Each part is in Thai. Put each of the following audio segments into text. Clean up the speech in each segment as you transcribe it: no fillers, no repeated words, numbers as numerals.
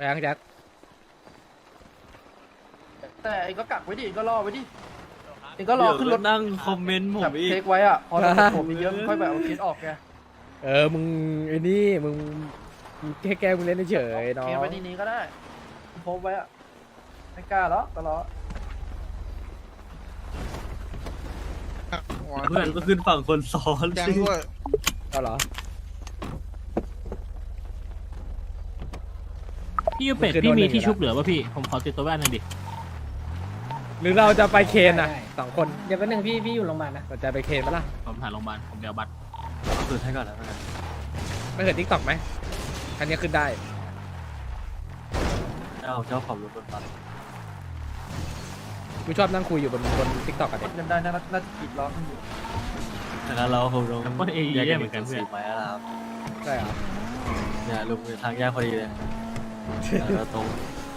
ยังแจ็คแต่เองก็กักไว้ดิเองก็รอไว้ดิเองก็รอขึ้นรถนั่งคอมเมนต์ผมแบบอีกเทคไว้อ่ะพอผมมีเยอะค่อยแบบเอาเคสออกไงมึงไอ้นี่มึงแค่มึงเล่นเฉยๆเนาะเคสไว้ที่นี้ก็ได้โพสไว้อ่ะไม่กล้าหรอกก็รอเพื่อนก็ขึ้นฝั่งคนซ้อนแกงสิด้วยเอาเหรอพี่เป็ดพี่มีที่ชุบเหลือป่ะพี่ผมขอติดตัวแว่นหน่อยดิหรือเราจะไปเคนอ่ะ2 คนเดี๋ยวแป๊บนึงพี่อยู่โรงพยาบาลนะสนใจไปเคนปะล่ะผมหาโรงพยาบาลผมเดี๋ยวบัตรสุดให้ก่อนแล้วกันไม่เคยทิกตอกไหมคันนี้ขึ้นได้เจ้าของรถบนบัสกูชอบนั่งคุยอยู่บนทิกตอกกันกเด็ดเงินได้น่าจะปิดล้อขึ้นอยู่ดังนั้นเราคงต้องก็เอแยกเย่กันเหเป็มือนกันนเพื่อสีนไม้แล้วครับได้เหรอเนี่ยลุงอยู่ทางแยกพอดีเลยแล้วตรง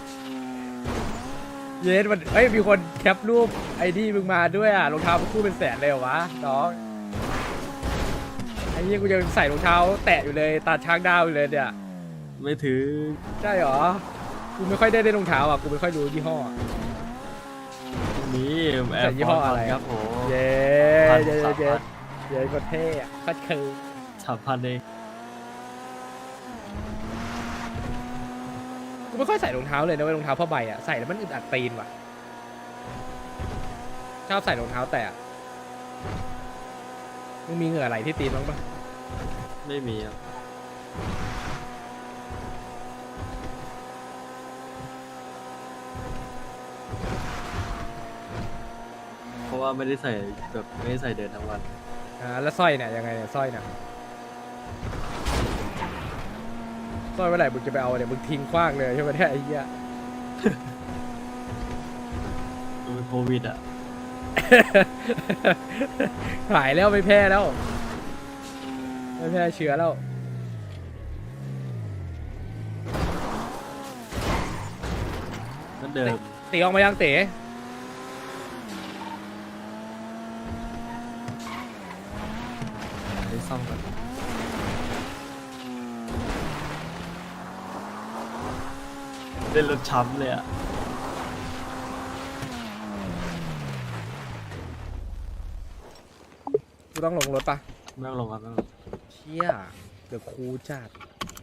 เยสมันมีคนแคปรูปไอ้นี่มึงมาด้วยอ่ะรองเท้าคู่เป็นแสนเลยเหรอวะน้องไอ้นี่กูยังใส่รองเท้าแตะอยู่เลยตาช้างดาวอยู่เลยเนี่ยไม่ถือใช่เหรอกูไม่ค่อยได้รองเท้าอ่ะกูไม่ค่อยรู้ยี่ห้ออะนี่แอใส่ร์ยี่พห้ออร์ตอะไรครับผมเย้พันเย้สามเย้พันเย้ก็เท่อะก็คือ 3,000เองกูไม่ค่อยใส่รองเท้าเลยนะเว้ยรองเท้าผ้าใบอ่ะใส่แล้วมันอึดอัดตีนว่ะชอบใส่รองเท้าแตะมึงมีเหงื่อไหลที่ตีนบ้างปะไม่มีครับเพราะว่าไม่ได้ใส่แบบไม่ได้ใส่เดินทั้งวันแล้วสร้อยเนี่ยยังไงเนี่ยสร้อยเนี่ยสร้อยเมื่อไหร่มึงจะไปเอาเนี่ยมึงทิ้งขว้างเลยใช่ไหมเนี่ยไอ้เหี้ยมันโควิดอ่ะหายแล้วไม่แพ้แล้วไม่แพ้เชื้อแล้วนั่นเดิมตีออกมายังเต๋ได้ซ่อมกันเล่นรถช้ำเลยอ่ะกูต้องลงรถปะไม่ต้องลงครับไม่ต้องลงเชี่ยเดี๋ยวครูจัด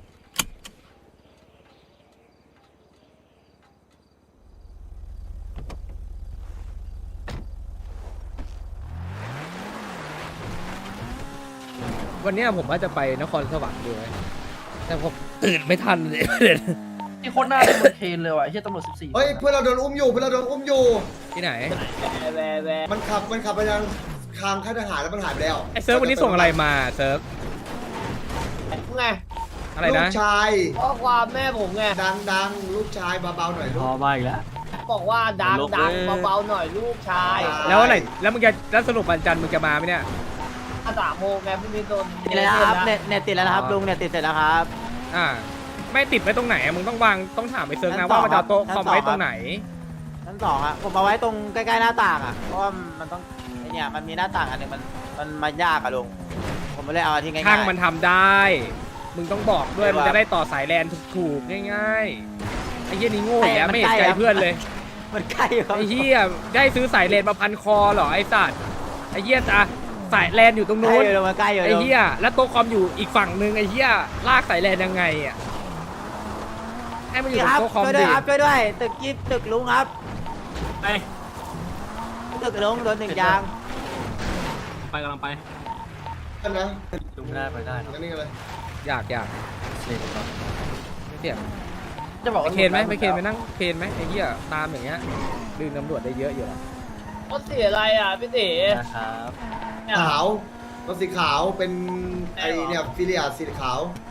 วันเนี้ยผมว่าจะไปนครสวรรค์ด้วยแต่ผมตื่นไม่ทันเลยที่โคตรหน้าเป็นบนเคนเลยว่ะไอ้เหี้ยตำรวจ14 เฮ้ยเพื่อนเราโดนอุ้มอยู่เพื่อนเราโดนอุ้มอยู่ที่ไหนมันขับไปทางทางค่ายทหารแล้วมันหายไปแล้วไอ้เซิร์ฟวันนี้ส่งอะไรมาเซิร์ฟไงอะไรลูนะกชายข้อความแม่ผมไงดังลูกชายเบาๆหน่อยลูพอก มาอีกแล้วบอกว่าดังลบดังเลยเบาๆหน่อยลูกชายแล้วอะไรแล้วมึงจะแล้วสรุปวันจันทร์มึงจะมาไหมเนี่ย 3 โมงไงพรุ่งนี้โดนติดแล้วนะครับเน็ตติดแล้วนะครับลุงเน็ตติดเสร็จแล้วครับไม่ติดไว้ตรงไหนอะมึงต้องวางต้องถามไอ้เซิร์ฟชั้นะนสองว่ามันจะเอาโต๊ะชั้นคอมสองไว้ครับตรงไหนชั้น2อะผมเอาไว้ตรงใกล้ๆหน้าต่างอะเพราะว่ามันต้องไอเนี่ยมันมีหน้าต่างอันหนึงมันยากอะลุงผมไม่ได้เอาอันที่ง่ายๆช่างมันทำได้ มึงต้องบอกด้วยไม่มึงว่าจะได้ต่อสายแลนถูกๆง่ายๆไอ้เหี้ยนี่โง่อีกแล้วไม่เห็นใจเพื่อนเลยมันใกล้ครับไอ้เหี้ยได้ซื้อสายแลนมาพันคอเหรอไอ้สัตว์ไอ้เหี้ยอะสายแลนอยู่ตรงใกล้นู้นอยู่ลุงมันใกล้อยู่ไอ้ลุงเหี้ยแล้วโต๊ะคอมอยู่อีกฝั่งนึงไอ้เหี้ยลากสายแลนยังไงอ่ะให้มันอยู่ตรคงรับโต๊ะคอมช่วยด้วดิยครับช่วยด้วยตึกกิ๊บตึกลุงครับไปตึกลุงโดน1 ยางไปกำลังไปกันนะลุงไม่ได้ไปได้เนอะนั่นนี่เลยอยากเช็คก่อนไม่เสียจะบอกไปว่าเคนไหมไปเคนไปนั่งเคนไหมไอ้เหี้ยตามอย่างเงี้ยดึงตำรวจได้เยอะอยู่แล้วรถเสียอะไรอ่ะพี่ตีนะครับขาวรถสีขาวเป็นไอเนี่ยฟิเลียสีขาว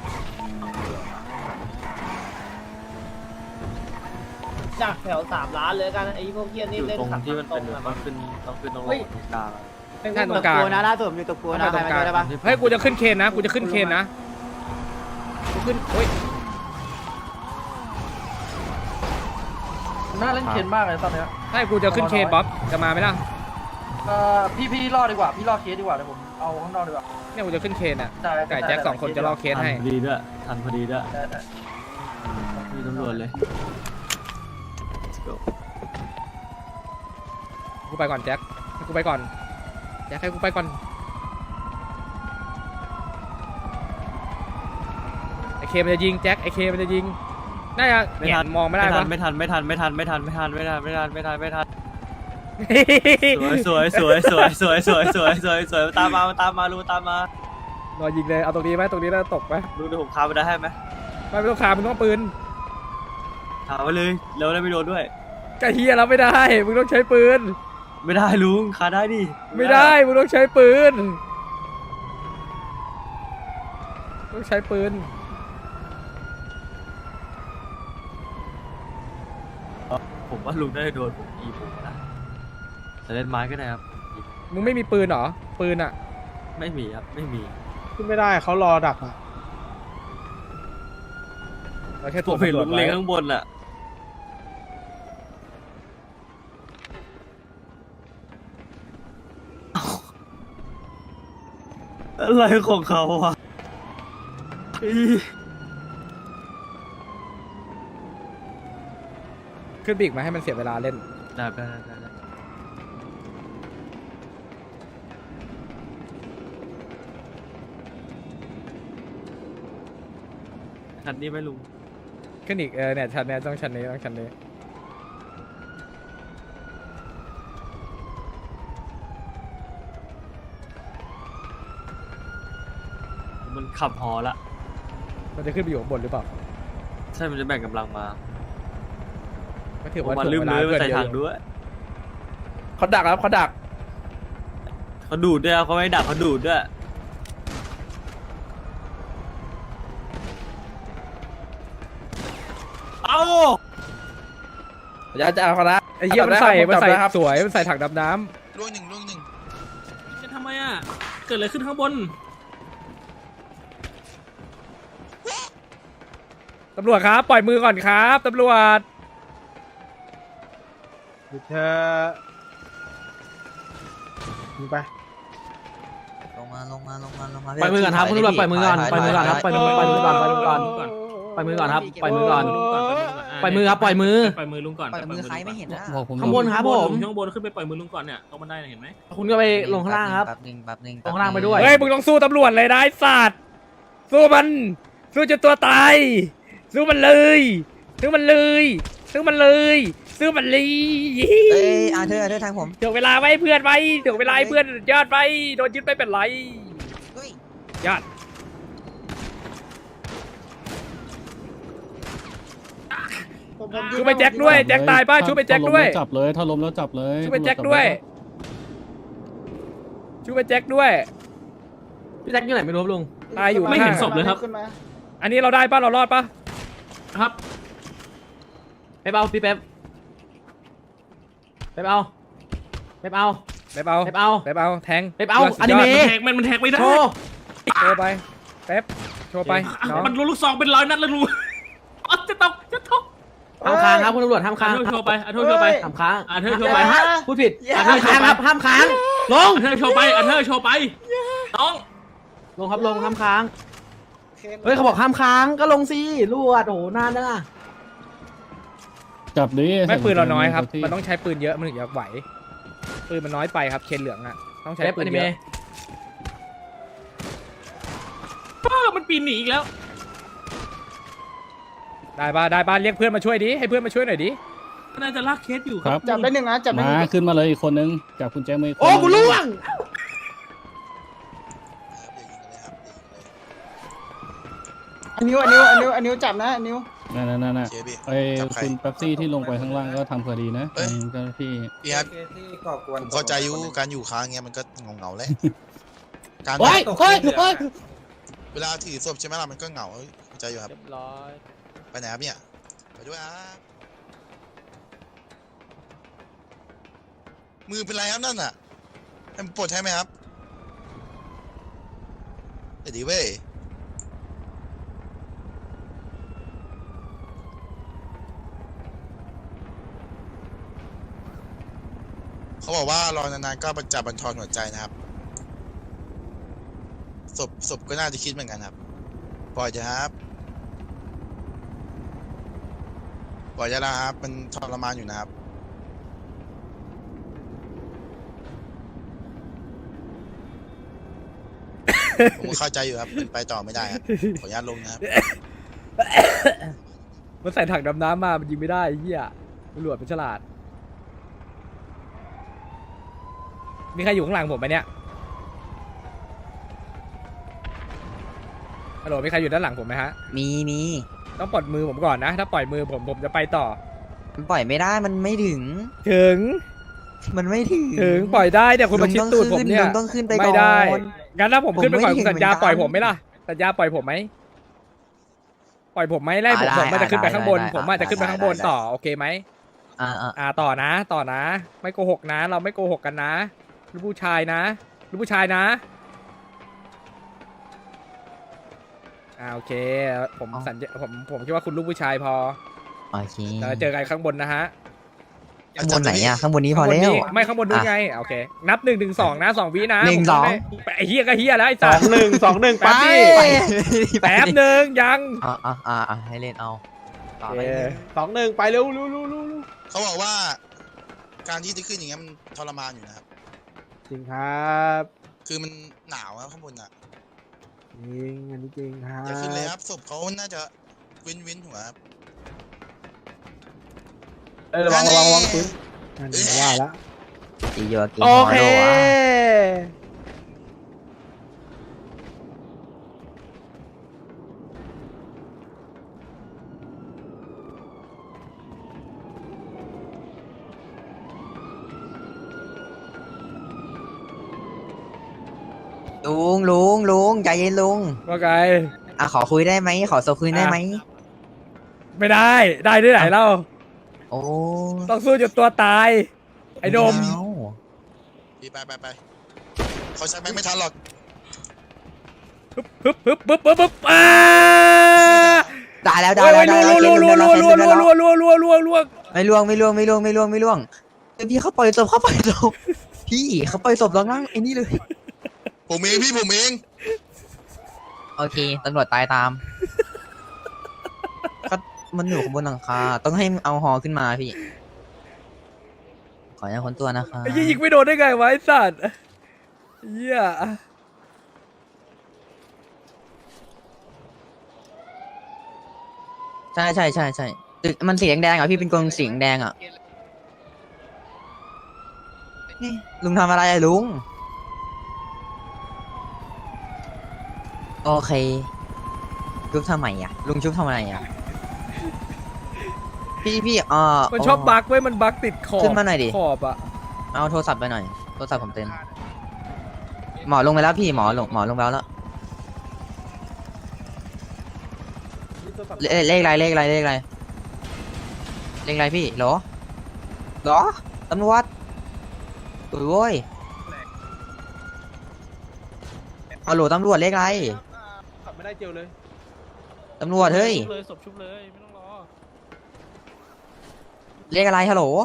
จากแถว3 ล้านเลยกันไอ้พวกเฮียอนี่ยู่เล่นตรงขับที่มันเป็นตรงต้องขึ้นตรงตรงกลางอะใช่ตรตึงกกลางกูนะล่าสุดผมอยู่ตึกกูนะใครมาช่วยได้ปะเฮ้ยกูจะขึ้นเคนนะกูจะขึ้นเคนนะกูขึ้นโอ้ยหน้าเล่นเคนมากเลยตอนเนี้ยใช่กูจะขึ้นเคนบ๊อบจะมาไหมล่ะพี่รอดีกว่าพี่รอเคสดีกว่าเดี๋ยวผมเอาข้างนอกดีกว่าเนี่ยกูจะขึ้นเคนอ่ะได้ไก่แจ็ค2 คนจะรอเคสให้ทันพอดีด้วยทันพอดีด้วยได้มีตำรวจเลยกูไปก่อนแจ็คให้กูไปก่อนแจ็คให้กูไปก่อนไอเคมันจะยิงแจ็คไอเคมันจะยิงน่าจะไม่ทันมองไม่ได้ปะไม่ทันสวยตามมาลุงตามมารอยิงเลยเอาตรงนี้ไหมตรงนี้แล้วตกไหมลุงเดี๋ยวผมคาไปได้ให้ไหมไม่ต้องขามึงต้องปืนถามไปเลยแล้วได้ไม่โดนด้วยกะเฮียแล้วไม่ได้มึงต้องใช้ปืนไม่ได้ลุงคาได้ดิไม่ได้มึงต้องใช้ปืนต้องใช้ปืนผมว่าลุงได้โดนผมอีผมนะแต่เล่นไม้ก็ได้ครับมึงไม่มีปืนเหรอปืนอ่ะไม่มีครับไม่มีขึ้นไม่ได้เขารอดักอ่ะเราแค่ผตัวมเห็นตำรวลุจงไว้เล็งข้างบนอะอะไรของเขาวะอีขึ้นบีกมาให้มันเสียเวลาเล่นได้คันนี้ไหมลุงขึ้นอีกเนี่ยชั้นเนี้ยต้องชั้นนี้ต้องชั้นนี้มันขับฮอละมันจะขึ้นไปอยู่ข้างบนหรือเปล่าใช่มันจะแบ่งกำลังมาก็ถือว่ามันถ่วลืงมเวเลลายมันเพื่อนใส่เยถัอะงอยู่ด้วยเขาดักครับเขาดักเขาดูดด้วยเขาไม่ดักเขาดูดด้วยเอ้าอย่าจะเอาเขาละไอ้เหี้ยมันใส่สวยมันใส่ถังดำน้ล่วงหนึ่งจะทำไมอ่ะ เกิดอะไรขึ้นข้างบนำตำรวจครับปล่อยมือก่อนครับตำรวจเธอมึงไปลงมาปล่อยมือก่อนครับคุณตำรวจปล่อยมือก่อนปล่อยมือก่อนครับปล่อยมือก่อนปล่อยมือก่อนปล่อยมือก่อนครับปล่อยมือก่อนปล่อยมือครับปล่อยมือปล่อยมือลุงก่อนปล่อยมือใครไม่เห็นนะข้างบนครับผมข้างบนขึ้นไปปล่อยมือลุงก่อนเนี่ยตรงบันไดเนี่ยเห็นไหมคุณก็ไปลงข้างล่างครับแป๊บหนึ่งลงข้างล่างไปด้วยเฮ้ยมึงต้องสู้ตำรวจเลยนะไอ้สัตว์สู้มันสู้จนตัวตายสู้มันเลยสู้มันเลยสู้มันเลยสู้มันเลยเอ้ยเธอทางผมถ่วงเวลาไว้เพื่อนไว้ถ่วงเวลาให้เพื่อนยอดไปโดนยึดไม่เป็นไรเฮ้ยยอด ชูไปแจ็คด้วยแจ็คตายป้าชูไปแจ็คด้วยจับเลยถ้าล้มแล้วจับเลยชูไปแจ็คด้วยชูไปแจ็คด้วยพี่แจ็คอยู่ไหนไม่รู้ครับลุงตายอยู่ไม่เห็นศข้างพเลยครับอันนี้เราได้ป้าเรารอดป้าครับเป๊ปเอาพี่เป๊ปเป๊ปเอาเป๊ปเอาเป๊ปเอาเป๊ปเอาเป๊ปเอาแทงเป๊ปเอาลืดสุดอนิยเมะดมันแทกไม่ได้โชว์โชว์ไปเป๊ปโชว์ไปน้องมันลูกซองเป็นร้อยนัดเลยลุงอ๋อจะตกห้ามค้างครับคุณตำรวจห้ามค้างเธอโชว์ไปเธอโชว์ไปห้ามค้างเธอโชว์ไปพูดผิดห้ามค้างครับห้ามค้างลงเธอโชว์ไปเธอโชว์ไปน้องลงครับลงห้ามค้างเฮ้ยเขาบอกห้ามค้างก็ลงสิลวดโอ้โหนานจังอะจับดิไม่ปืนเราน้อยครับมันต้องใช้ปืนเยอะมันถึงจะไหวปืนมันน้อยไปครับเคนเหลืองอ่ะต้องใช้เป๊ปปือน นิเยเมะอะป้ามันปีนหนีอีกแล้วได้ป้าเรียกเพื่อนมาช่วยดิให้เพื่อนมาช่วยหน่อยดิน่าจะลากเคสอยู่คครัรับบ จับได้หนึ่งนะจับมาขึ้นมาเลยอีกคนนึงจับคุณแจ็คมืออกคนโอ้กูล่วงนิ้วจับนะนิ้วนั่นเชฟพี่ไอ้คุณแป๊บซี่ที่ลงไปข้างล่างก็ทำคดีนะเอ้ยเจ้าหน้าที่พี่ครับผมเข้าใจอยู่การอยู่ค้างเงี้ยมันก็เงาๆแหละการเฮ้ยเฮ้ยเฮ้ยเวลาถือศพใช่ไหมล่ะมันก็เหงาเข้าใจอยู่ครับเรียบร้อยไปไหนครับเนี่ยไปด้วยครับมือเป็นไรครับนั่นน่ะให้มันปลดใช่ไหมครับเดี๋ยวดีเว้ยเขาบอกว่ารอนานๆก็จะบั่นทอนหัวใจนะครับศพก็น่าจะคิดเหมือนกันครับปล่อยเถอะครับปล่อยยาลาครับมันทรมานอยู่นะครับ ผมเข้าใจอยู่ครับมันไปต่อไม่ได้ครับขออนุญาตลงนะครับมันใส่ถังดำน้ำมามันยิงไม่ได้ไอ้เหี้ยตำรวจเป็นฉลาดมีใครอยู่ข้างหลังผมไหมเนี่ยฮัลโหลมีใครอยู่ด้านหลังผมไหมฮะมีต้องปลดมือผมก่อนนะ ถ้าปล่อยมือผมจะไปต่อมันปล่อยไม่ได้มันไม่ถึงถึงมันไม่ถึงปล่อยได้แต่คุณมาชิดตูดผมเนี่ยลุงต้องขึ้นไปก่อนไม่ได้งั้นถ้าผมขึ้นไปก่อนผมไม่คุณสัญญาถึงเหมือนกันปล่อยผมไหมล่ะสัญญาปล่อยผมไหมปล่อยผมไหมไล่ผมได้ผมมันจะขึ้นไปข้างบนได้ผมอาจจะขึ้นไปข้างบนได้ต่อโอเคไหม ต่อนะ ไม่โกหกนะ เราไม่โกหกกันนะลูกผู้ชายนะลูกผู้ชายนะโอเคผมสัญญาผมคิดว่าคุณลูกผู้ชายพอโอเคเราจะเจอกันข้างบนนะฮะข้างบนไหนอะข้างบนนี้พอแล้วไม่ข้างบนนู้นไงโอเค นับ1 1 2นะ2 วินะ 1 2 ผมไอ้เฮียก็เฮียแล้วไอ้สัส 2-1 แป๊บดิแป๊บหนึ่งยังให้เล่นเอาต่อโอไปเค 2-1 ไปเร็วเขาบอกว่าการที่จะขึ้นอย่างเงี้ยมันทรมานอยู่นะครับจริงครับคือมันหนาวครับข้างบนอ่ะจริงอันนี้จริงครับอย่าขึ้นเลยครับศพเขาน่าจะวินหัวครับระวังปืนว่าละอีโยกินฮอโดอะลุงใจเย็นลุงว่าไงขอคุยได้ไหมขอโซคุยได้ไหมไม่ได้ด้วยไหนเล่าโอ้ต้องสู้จนตัวตายไอ้โดมไม่เอาพี่ไปเขาใช้แบงค์ไม่ทันหรอกปึ๊บตายแล้วรัวไม่ล่วงพี่เขาปล่อยศพพี่เขาปล่อยศพแล้วนั่งไอ้นี่เลยผมเองโอเคตำรวจตายตามก็มันอยู่ข้างบนหลังคาต้องให้เอาฮอขึ้นมาพี่ขออนุญาตค้นตัวนะคะไอ้ยิงไม่โดนได้ไงวะไอ้สัตว์เหี้ยใช่ตึกมันสีแดงๆอ่ะพี่เป็นกรงสีแดงอ่ะนี่ลุงทำอะไรอะลุงโอเคชุบทำไมอ่ะลุงชุบทำไมอ่ะพี่มันชอบบั๊กเว้ยมันบั๊กติดขอบขึ้นมาหน่อยดิขอบอะเอาโทรศัพท์ไปหน่อยโทรศัพท์ผมเต็มหมอลงไปแล้วพี่หมอลงไปแล้วเลขอะไรพี่เหรอตำรวจโอ้ยเอาโหลตำรวจเลขอะไรขับไม่ได้เจียวเลยตำรวจเฮ้ยเลยศพชุบเลยไม่ต้องรอเลขอะไรฮัลโหล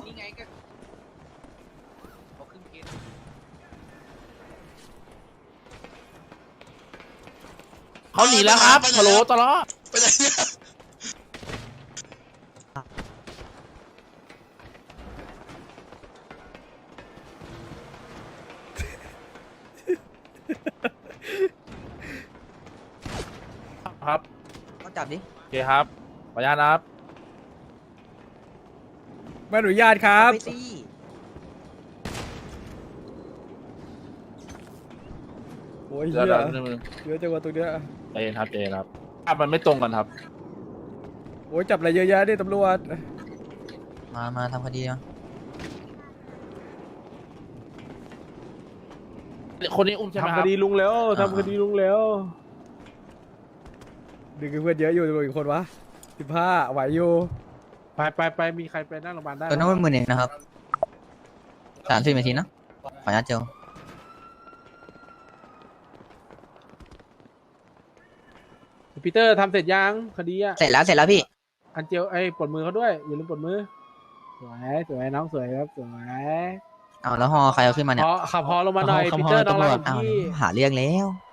เขาหนีแล้วครับฮัลโหลตลอดไปไหนเนี่ยครับก็จับดิโอเคครับขออนุญาตนะครับไม่อนุญาตครับไปสิโอ้ยเดี๋เหี้ยวยเยอะจังวะตรงเนี้ยใจเย็นครับภาพมันไม่ตรงกันครับโอ้ยจับอะไรเยอะแยะดิตำรวจมาทำคดีมาคนนี้อุ้มใช่ไหมคทำรัคบดีลุงแล้วทำคดีลุงแล้วดึงเพื่อนเยอะอยู่ตำรวจอีกคนวะ15ไหวอยู่ไปมีใครไปนั่งโรงพยาบาลได้ตัวน้องมัน10,000นะครับ30 นาทีนะขออนุญาตเจลปีเตอร์ทำเสร็จยังคดีอ่ะเสร็จแล้วพี่อันเจียวปลดมือเขาด้วยอย่าลืมปลดมือสวยน้องสวยครับสวยเอาแล้วฮอใครเอาขึ้นมาเนี่ยขับพอลงมาหน่อยปีเตอร์น้องรักของเอาพี่หาเรื่องแล้ว